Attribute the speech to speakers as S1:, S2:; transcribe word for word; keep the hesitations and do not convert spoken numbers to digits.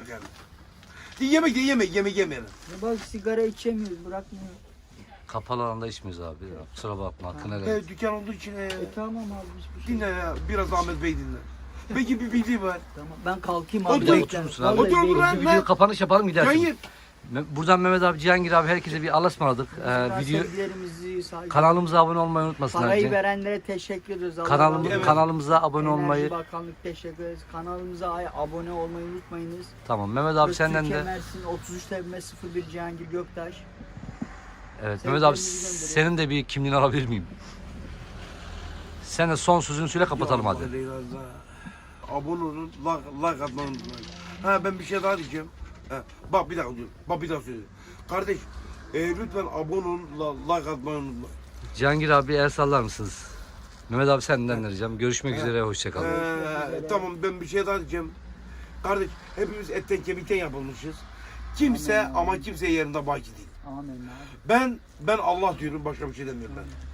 S1: yani. Yemek de yemek, yemek yemeyelim.
S2: Bak sigara içemiyoruz, bırakmıyor.
S3: Kapalı alanda içmiyoruz abi. Ya, kusura bakma hakkını helal
S1: He,
S3: et.
S1: dükkan olduğu için he.
S2: E tamam abi hiçbir şey.
S1: Dinle ya, biraz Ahmet Bey dinle. Peki bir bildiği var.
S2: Tamam ben kalkayım
S1: Otur,
S2: abi.
S1: otur
S2: bekle.
S3: musun abi?
S2: Vallahi
S1: Otur,
S2: bekle.
S1: bırak.
S3: Bir video kapanış yapalım gidersin.
S1: Hayır.
S3: Me- Buradan Mehmet abi, Cihangir abi herkese bir Allah'a ısmarladık. Ee, video
S2: Sevgilerimizi, saygı-
S3: kanalımıza abone olmayı unutmasınlar.
S2: Parayı
S3: Cih-
S2: verenlere teşekkür ediyoruz. Allah
S3: Kanalım,
S2: razı olsun.
S3: kanalımıza abone
S2: Enerji
S3: olmayı.
S2: Bakanlık teşekkür ederiz. Kanalımıza ay- abone olmayı unutmayınız.
S3: Tamam Mehmet abi
S2: Ve
S3: senden
S2: Türkiye
S3: de.
S2: Mersin otuz üç T B sıfır bir Cihangir Göktaş.
S3: Evet Mehmet abi
S2: Sevgilerimizi gönderiyorum.
S3: senin de bir kimliğini alabilir miyim? Sen de son sözünü söyle kapatalım
S1: Ya
S3: hadi.
S1: Allah Leyla Allah. Abone olun, like, like atmayı unutmayın. Ha ben bir şey daha diyeceğim. Ha, bak bir dakika diyorum. Bak bir daha söyleyeyim. Kardeş, e, lütfen abone olun, la- like atmayı unutmayın.
S3: Cihangir abi el sallar mısınız? Mehmet abi senden de ricam. Görüşmek üzere, hoşçakalın.
S1: Ee, tamam ben bir şey daha diyeceğim. Kardeş hepimiz etten kemikten yapılmışız. Kimse
S2: Amin.
S1: ama kimse yerinde baki değil.
S2: Amin abi.
S1: Ben ben Allah diyorum, başka bir şey demiyorum ben.